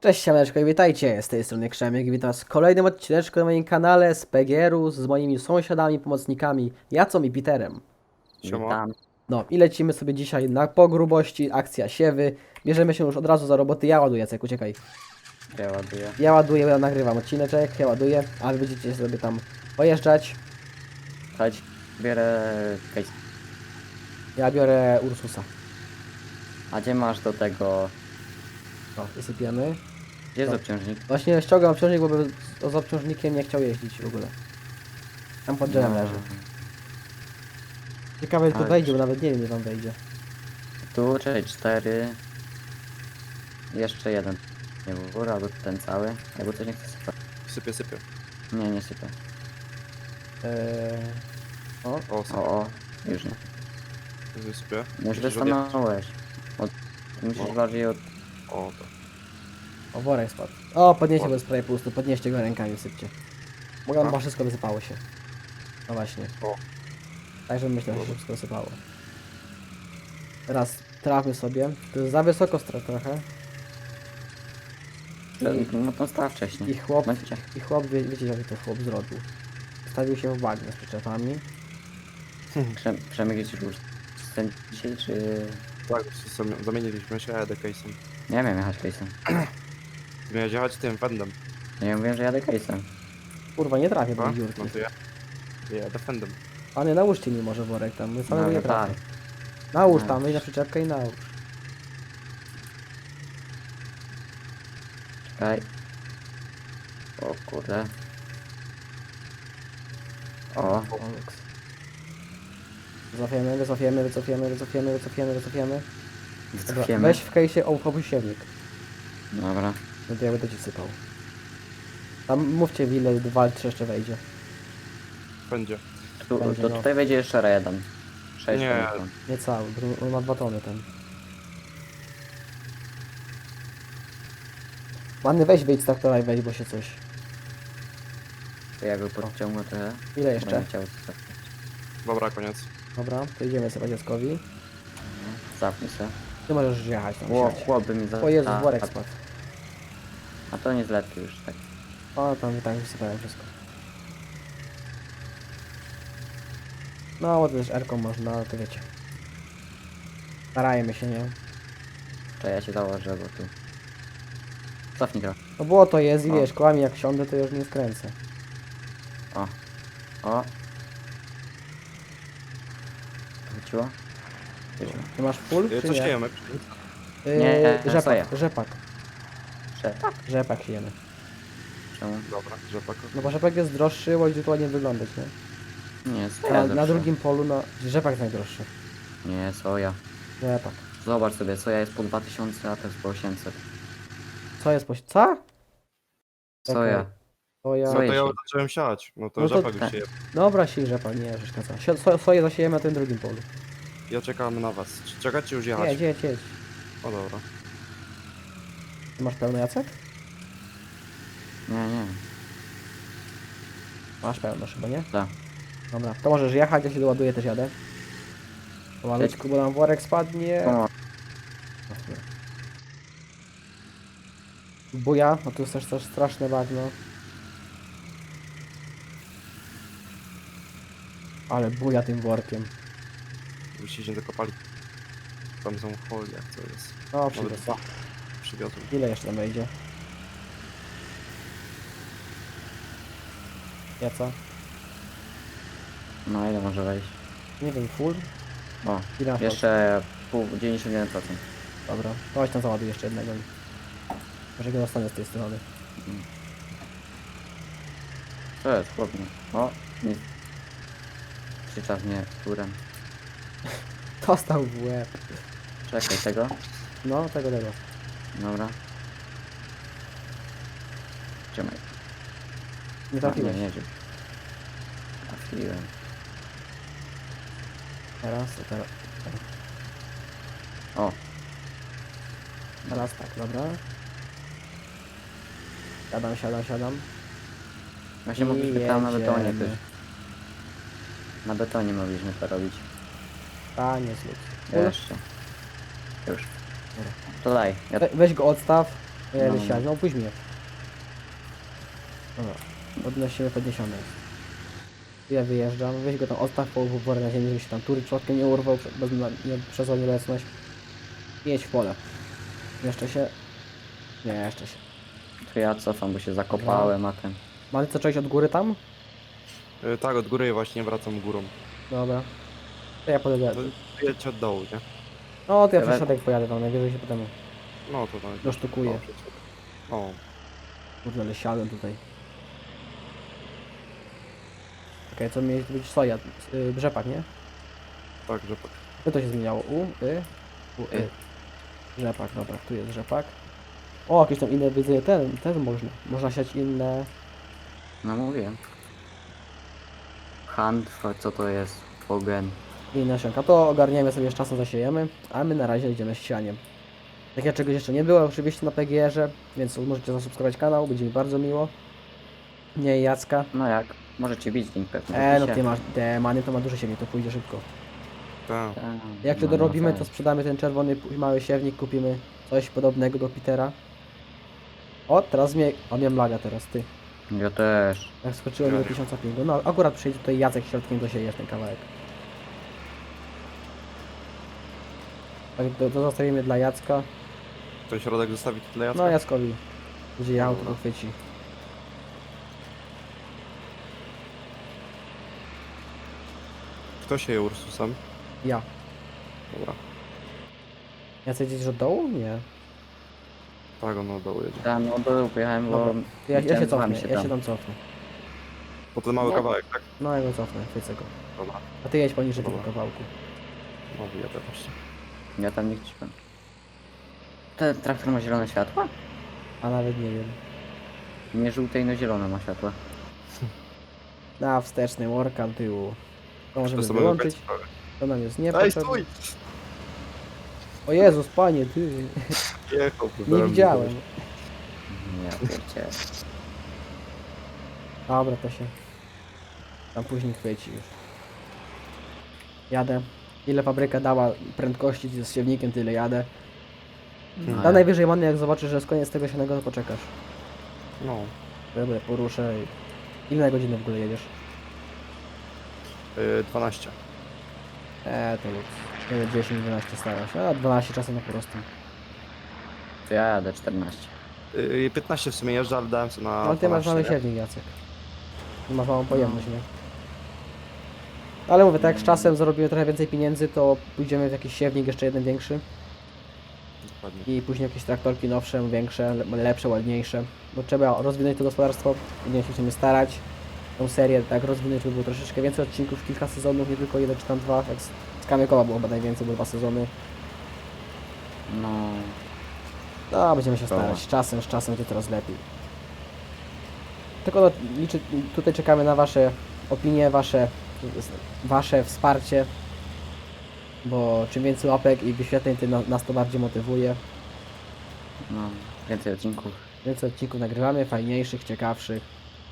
Cześć siemeczko i witajcie, z tej strony Krzemiek i witam was w kolejnym odcineczku na moim kanale z PGR-u z moimi sąsiadami, pomocnikami Jacą i Peterem. Siema. Witam. No i lecimy sobie dzisiaj na pogrubości, akcja siewy. Bierzemy się już od razu za roboty, ja ładuję, Jacek, uciekaj. Ja ładuję. Ja ładuję, ja nagrywam odcineczek, ja ładuję, a wy będziecie sobie tam pojeżdżać. Chodź, bierę case. Ja biorę Ursusa. A gdzie masz do tego? O, wysypiemy. Gdzie jest No. obciążnik? Właśnie ściągam obciążnik, bo z obciążnikiem nie chciał jeździć w ogóle. Tam pod drzewem leży. Ciekawe, jak tu Ale- wejdzie, bo nawet nie wiem, ile tam wejdzie. Tu, czyli 4. Jeszcze jeden. Nie w górę, albo ten cały. Jakby coś nie chce sypać. Sypię. Nie, nie sypię. O, O, O, już nie. sypię. Już Musisz odjechać. wystanąłeś. Musisz No. bardziej od... O, to. o, worek spadł. O, podnieście Worek. go z prawie pusty, podnieście go rękami, sypcie. Mogę, A? bo wszystko wysypało się. No właśnie. O. Także myślę, że się Dobra. wszystko wysypało. Teraz trafmy sobie. To jest za wysoko trochę. No to staw wcześniej. I chłop, Będzie. wiecie jak to chłop zrobił. Stawił się w bagnie z przyczepami. Przemyk już ten dzisiaj, czy... Tak, zamieniliśmy się, jadę case'em. Nie wiem, jechać case'em. Ty miałeś jechać tym fendem. Nie mówiłem, że jadę case'em. Kurwa, nie trafię do A? tej dziurki. No to ja. Ja jadę fendem. A nie, nałóżcie mi może worek tam, my samego No, nie tak. trafię. Nałóż No. tam, wejdź na przyczepkę i nałóż. Czekaj. O kurde. O, O, luks. Wycofiemy. Dobra, wycofiemy. weź w kejsie opuściewnik. Dobra. No to ja będę ci sypał. Tam mówcie w ile 2-3 jeszcze wejdzie. Będzie. Będzie, To no. tutaj wejdzie jeszcze jeden. 6 Nie. Nie cały, bo on ma 2 tony ten. Ładny weź wyjdź z traktora i weź, bo się coś. To ja go podciągnę trochę. Ile jeszcze? Będę chciał zostawić. Dobra, koniec. Dobra, to idziemy sobie dzieckowi. Zapnij se. Ty możesz jechać tam. siadź. Chłop by mi za... O Jezus, a- worek spadł. A to nie zletki już, tak. O, tam tak wysypałem wszystko. No, bo też R-ką można, ale to wiecie. Starajmy się, nie? To ja się założę, bo tu... Cofnij trochę. No było to jest i O. wiesz, kołami jak siądę, to już nie skręcę. O. Wróciło? Wróciło. Ty masz full, czy Co nie? siejemy? Nie, soja. Rzepak. Przepak. Rzepak siejemy. Czemu? Dobra, rzepak. No bo rzepak jest droższy, bo będzie to ładnie wyglądać, nie? Nie, soja Na zawsze. drugim polu, rzepak jest najdroższy. Nie, soja. Rzepak. Zobacz sobie, soja jest po 2000, a to jest po 800. Co jest co? Soja. Soja. No Soja. to ja się- zacząłem siać. No to No to rzepak tak. już sieje. Dobra, siej rzepak, nie przeszkadza. Soję zasiejemy na tym drugim polu. Ja czekam na was. Czy czekacie już jechać? Jedź. O dobra. Ty masz pełny Jacek? Nie. Masz pełno chyba, nie? Tak. Dobra, to możesz jechać, ja się doładuję, też jadę. Pomalutku, bo nam worek spadnie. O, Buja, no tu jest też straszne bagno. Ale buja tym workiem. Byście się dokopali. Tam są folie, jak to jest. No, Nawet przywiózł. dwa. Przywiozłem. Ile jeszcze tam wejdzie? Jaca? no ile może wejść? Nie wiem, full? O, Ile masz? jeszcze 91%. Dobra, to chodź tam załaduj jeszcze jednego. Może go dostanę z tej strony. To jest chłopnie. O, nie. Krzycza mnie turem. Dostał w łeb. Czekaj, tego? No, tego. Dobra. Trzymaj. Nie A, trafiłeś. nie rzuć. Trafiłem. Teraz. O, Teraz tak, dobra. Siadam. właśnie I mogliśmy tam na betonie jedziemy. też. Na betonie mogliśmy to robić. Panie zlud. Jeszcze. Już. To daj. Ja... Weź go odstaw. Jedę No. siać, no pójdź mnie. Dobra, podnosimy podniesiony. Ja wyjeżdżam, weź go tam odstaw po worę na ziemi, żeby się tam tury człotkiem nie urwał przez nieobecność. Jedź w pole. Jeszcze się? Nie, jeszcze się. To ja cofam, bo się zakopałem, a ten... Mamy co cześć od góry tam? Tak, od góry właśnie wracam górą. Dobra. To ja podjadę. To jedź od dołu, nie? No to ja Dobra. przez środek pojadę tam, najwyżej się potem No to tam. dosztukuję. O, Kurde, ale siadłem tutaj. Okej, co mieli tu być? Soja, rzepak, nie? tak, że tak. Co to się zmieniało? Rzepak, dobra, tu jest rzepak. O, jakieś tam inne widzę, ten można. Można siać inne. No mówiłem. Handfa, co to jest? Fogen. Inne nasionka. To ogarniemy sobie z czasem, zasiejemy, a my na razie idziemy z sianiem. Tak jak czegoś jeszcze nie było oczywiście na PGR-ze, więc możecie zasubskrybować kanał, będzie mi bardzo miło. Nie Jacka. No jak? Możecie bić link pewnie. w No opisie. ty masz, te many to ma dużo siewnik, to pójdzie szybko. Tak. Tak, Jak to no, dorobimy, no to sprzedamy ten czerwony mały siewnik, kupimy coś podobnego do Petera. O, teraz on miałem laga teraz, ty. Ja też. Jak skoczyłem do 1000 pingu. No akurat przyjdzie tutaj Jacek środkiem, dosiejesz ten kawałek. Tak, to zostawimy dla Jacka. Ten środek zostawić dla Jacka? No Jackowi. Będzie jechał, to Dobra. go chwyci. Kto się je Ursusem? Ja. Dobra. Jacek gdzieś od dołu? Nie. Tak, on od dołu jedzie. Tam no do pojechałem, bo... Dobra. Ja się chciałem z cofnę, wami ja się tam cofnę. Po ten mały No. kawałek, tak? No ja go cofnę, chwycę go. Dobra. A ty jedź poniżej tego Dobra. kawałku. No wyjadę właśnie. Ja tam nie chciałem. Ten traktor ma zielone światła? A nawet nie wiem. Nie żółte, no zielone ma światła. Na wsteczny workam tyłu. To możemy To sobie wyłączyć. wybrać. To nam jest Ej, niepotrzebne. stój! O Jezus, panie, ty. Jechał, Nie widziałem. Ja pierdzie. Dobra, to się tam później chwyci już. Jadę. Ile fabryka dała prędkości z siewnikiem, tyle jadę. No, A najwyżej manny, jak zobaczysz, że jest koniec tego sianego, to poczekasz. No. Dobra, poruszę i... Ile na godzinę w ogóle jedziesz? 12. To luz. Nie 10-12 staram się, a 12 czasem na prostu. To ja jadę 14. 15 w sumie jeżdżę, ale dałem sobie na Ale ty masz 12, mały nie? siewnik, Jacek. Ty masz małą pojemność, nie? Ale mówię, tak jak z czasem zarobimy trochę więcej pieniędzy, to pójdziemy w jakiś siewnik jeszcze jeden większy. Dokładnie. I później jakieś traktorki nowsze, większe, lepsze, ładniejsze. Bo trzeba rozwinąć to gospodarstwo, będziemy się musimy starać. Tą serię tak rozwinąć, żeby było troszeczkę więcej odcinków, kilka sezonów, nie tylko jeden czy tam dwa. Jak z Kamykowa było chyba najwięcej, było 2 sezony. No... No, będziemy się Dobra. starać. Z czasem to coraz lepiej. Tylko no, tutaj czekamy na Wasze opinie, Wasze wsparcie. Bo czym więcej łapek i wyświetleń, tym nas to bardziej motywuje. No... Więcej odcinków. Więcej odcinków nagrywamy, fajniejszych, ciekawszych.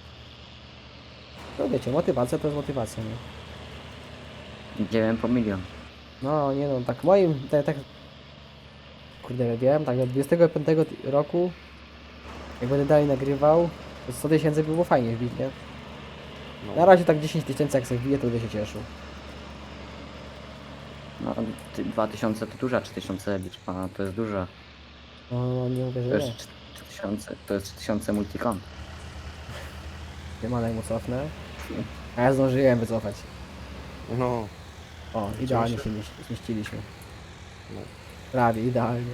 No wiecie, motywacja to jest motywacja, nie? Idziemy po milion. No, nie no, tak moim, tak kurde, wiem, tak do 25 roku, jak będę dalej nagrywał, to 100 000 by było fajnie wbić, nie? No. Na razie tak 10 000 jak sobie wbije, to będę się cieszył. No, 2000 to duża, 3000 liczba, to jest duża. No, nie mówię, To że jest nie. 3000, to jest 3000 multicon. Siemanek mu cofnę. A ja zdążyłem wycofać. No. O, idealnie się. się zmieściliśmy. No. Prawie, idealnie.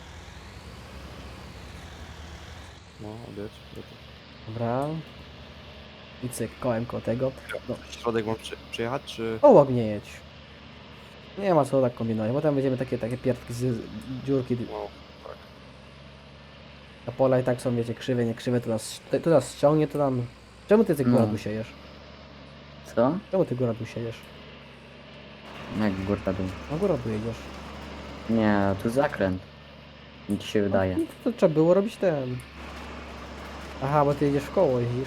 No, odjedź. Dobra. I cyk, kołem koło tego. No, Środek mam przyjechać, czy... obok nie jedź. Nie ma co tak kombinować, bo tam będziemy takie pierdki z dziurki. No, tak. A pola i tak są, wiecie, krzywe, nie krzywe, to nas ściągnie, to tam... Czemu ty góra No. tu siejesz? Co? Czemu ty góra tu siejesz? Jak górka dół. Na górę tu jedziesz. Nie, tu zakręt. Mi ci się wydaje. No, to trzeba było robić ten... Aha, bo ty jedziesz w koło, jeździsz.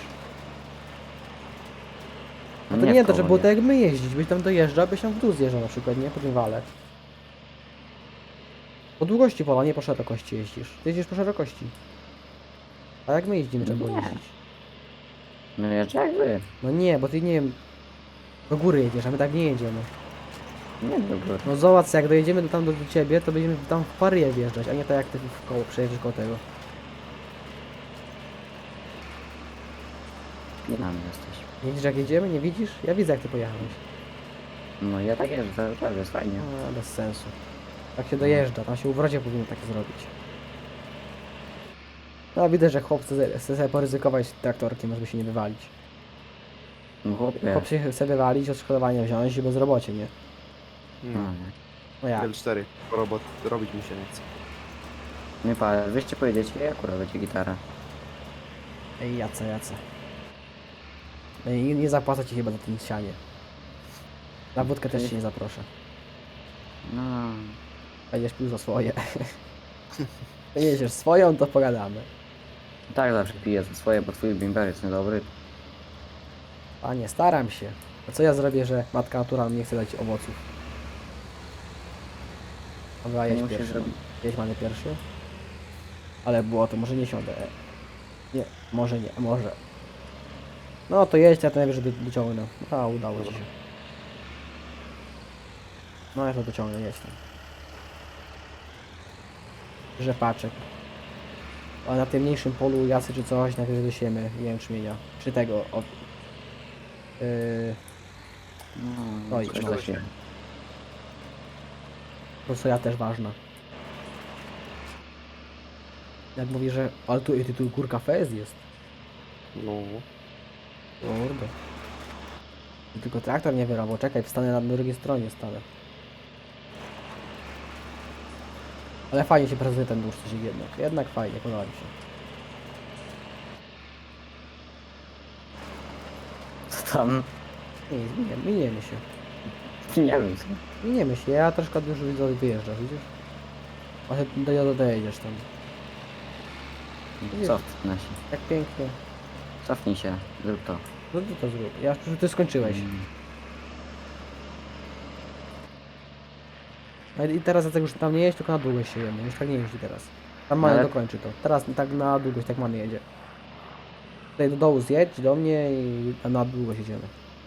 No to nie, to w trzeba koło, było tak jak my jeździć, byś tam dojeżdżał, byś tam w dół zjeżdżał na przykład, nie? Po tym wale. Po długości pola, nie po szerokości jeździsz. Ty jeździsz po szerokości. A jak my jeździmy, trzeba było Nie. jeździć? No jeszcze jak wy. No nie, bo ty nie wiem, do góry jedziesz, a my tak nie jedziemy. Nie dobra. No zobacz, jak dojedziemy do ciebie, to będziemy tam w Paryję wjeżdżać, a nie tak jak ty w koło, przejedziesz koło tego. Nie na mnie jesteś. Nie widzisz jak jedziemy? Nie widzisz? Ja widzę jak ty pojechałeś. No ja tak jeżdżę cały czas, jest fajnie. A, bez sensu. Tak się dojeżdża, tam się u wrodzie powinno tak zrobić. No widzę, że chłop chce sobie poryzykować traktorkiem, żeby się nie wywalić. No chłopie. Chłop się chce wywalić, odszkodowanie wziąć i bezrobocie, nie? No, No. nie. No jak? L4. Robot robić mi się nie chce. Nie pa, wyście pojedziecie, ja akurat będzie gitara. Ej, jace. No i nie zapłacę ci chyba za tym sianie. Na wódkę też się nie zaproszę. No. Będziesz pił za swoje. Jedziesz swoją, to pogadamy. Tak zawsze piję za swoje, bo twój bimber jest niedobry. Panie, staram się. A co ja zrobię, że matka natura nie chce dać owoców? Dobra, To jedź nie musisz pierwszy. robić. Jedź mamy pierwszy. Ale było to, może nie siądę. Nie, może nie, może. No to jedź, ja to najwyżej dociągnę. A, udało ci się. No ja to dociągnę, jedź tam. Rzepaczek. A na tym mniejszym polu jasy czy coś, najwyżej dosiemy jęczmienia. Czy tego, od... No, Oj, coś no. za się. Bo soja też ważna. Jak mówi, że... Ale tu górka fez jest. No. Kurde. Tylko traktor nie wyrobił. Czekaj, wstanę na drugiej stronie, stanę. Ale fajnie się prezentuje ten dłuższy jednak. Jednak fajnie, podoba mi się. Co tam? Nie, miniemy się. Nie wiem co. Miniemy się. Ja troszkę już widzę, wyjeżdżasz, widzisz? A ty dojedziesz tam. Cofnij się. Jak pięknie. Cofnij się, zrób to. No ty to zrób. Ja już ty skończyłeś. No i teraz jak już tam nie jeździ, tylko na długość się jemy. Już tak nie jeździ teraz. Tam Many Ale- dokończy to. Teraz tak na długość, tak Many jedzie. Tutaj do dołu zjedź do mnie i tam na długość jedziemy.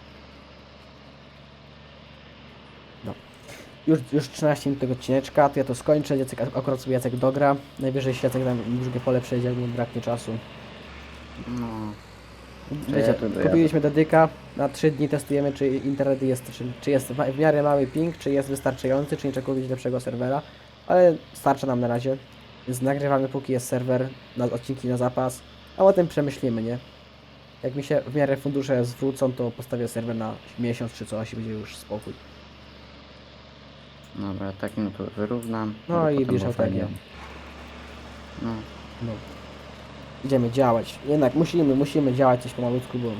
No. Już 13 minut tego odcineczka, to ja to skończę. Jacek, akurat sobie Jacek dogra. Najwyżej się Jacek tam drugie pole przejdzie, jak mu braknie czasu. No. Wiecie, ja tu dojadę. kupiliśmy dedyka, na 3 dni testujemy, czy internet jest, czy jest w miarę mały ping, czy jest wystarczający, czy nie trzeba kupić lepszego serwera, ale starcza nam na razie, więc nagrywamy póki jest serwer, na odcinki na zapas, a potem przemyślimy, nie? Jak mi się w miarę fundusze zwrócą, to postawię serwer na miesiąc czy coś i będzie już spokój. Dobra, tak no to wyrównam. No żeby i potem bierz było fajnie. autogię. No. No. Idziemy działać. Jednak musimy działać coś pomalutku, bo...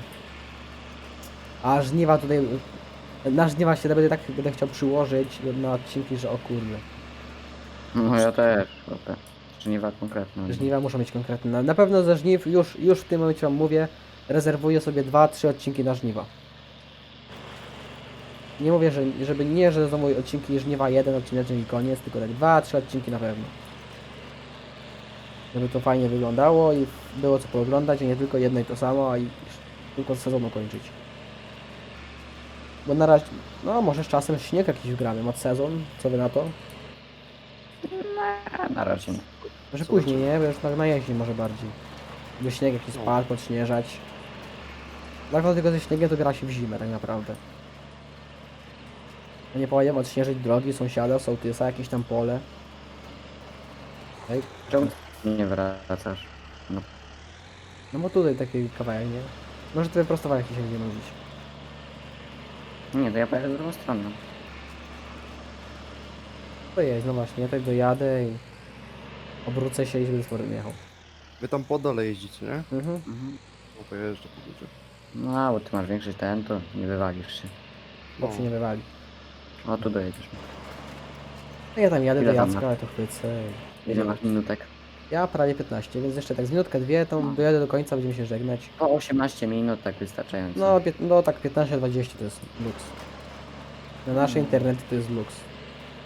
A żniwa tutaj... Na żniwa się będę chciał przyłożyć na odcinki, że o kurde. No ja też, chłopie. Żniwa konkretne. Żniwa muszą być konkretne. Na pewno ze żniw, już w tym momencie wam mówię, rezerwuję sobie 2-3 odcinki na żniwa. Nie mówię, że znowu odcinki żniwa 1 odcinek i koniec, tylko tak 2-3 odcinki na pewno. Żeby to fajnie wyglądało i było co pooglądać, a nie tylko jedno i to samo, a i tylko sezonu kończyć. Bo na razie, no może z czasem śnieg jakiś wgramy, mod sezon, co wy na to? Na razie nie. Może Zobaczymy. później, nie? Bo już na jesień może bardziej. By śnieg jakiś No. spadł, podśnieżać. Tak naprawdę tylko ze śniegiem to gra się w zimę tak naprawdę. No nie powiem odśnieżyć drogi, sąsiada, sołtysa, jakieś tam pole. Ej, Czemu nie wracasz? No, no bo tutaj taki kawałek, nie? Może to wyprostowanie jakieś będzie mówić. nie, to ja pojadę w drugą stronę. To jest, no właśnie, ja tak dojadę i obrócę się i będę z powrotem jechał. Wy tam po dole jeździcie, nie? Mhm. Mhm. No to jeżdżę po górze. No, bo ty masz większy ten, to nie wywalisz się. Bo się nie wywali. O, tu dojedziesz. No ja tam jadę Ile do tam Jacka, masz? ale to chwycę. Ile masz minutek? Ja prawie 15, więc jeszcze tak z minutkę, dwie, to No. dojadę do końca, będziemy się żegnać. Po 18 minut tak wystarczająco. No, no tak 15-20 to jest luks. Na nasze internety to jest luks.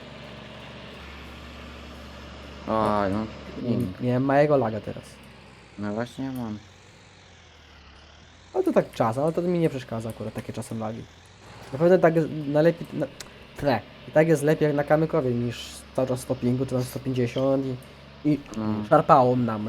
Oj, no. Nie, nie mam małego laga teraz. No właśnie mam. Ale to tak czas, ale to mi nie przeszkadza akurat takie czasem lagi. Naprawdę tak jest najlepiej, i tak jest lepiej jak na kamykowie niż cały czas 100 pingu, czy tam 150 i No. szarpało nam.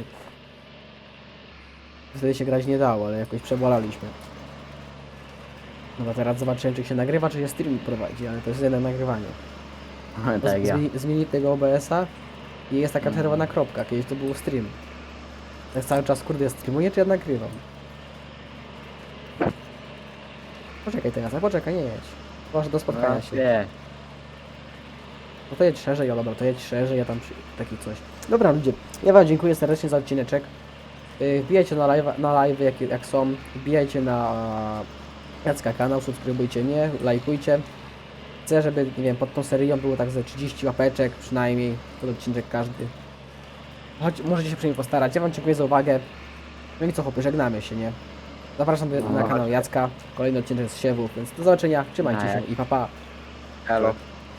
Wtedy się grać nie dało, ale jakoś przebolaliśmy. Dobra, teraz zobaczyłem, czy się nagrywa, czy się stream prowadzi, ale to jest jedno nagrywanie. Bo Tak ja. zmienili tego OBS-a i jest taka Mhm. czerwona kropka, kiedyś to był stream. Tak cały czas, kurde, ja streamuję, czy ja nagrywam? Poczekaj teraz, a poczekaj, nie jedź. Może do spotkania się. Nie. No to jedź szerzej, o dobra, to jedź szerzej, ja tam taki coś. Dobra ludzie, ja wam dziękuję serdecznie za odcineczek. Wbijajcie na live jak są, wbijajcie na Jacka kanał, subskrybujcie mnie, lajkujcie. Chcę, żeby, nie wiem, pod tą serią było tak ze 30 łapeczek przynajmniej, pod odcinek każdy. Choć możecie się przy nim postarać, ja wam dziękuję za uwagę. No i co chłopy, żegnamy się, nie? Zapraszam na kanał Jacka, kolejny odcinek z siewów, więc do zobaczenia, trzymajcie się i pa pa. Halo.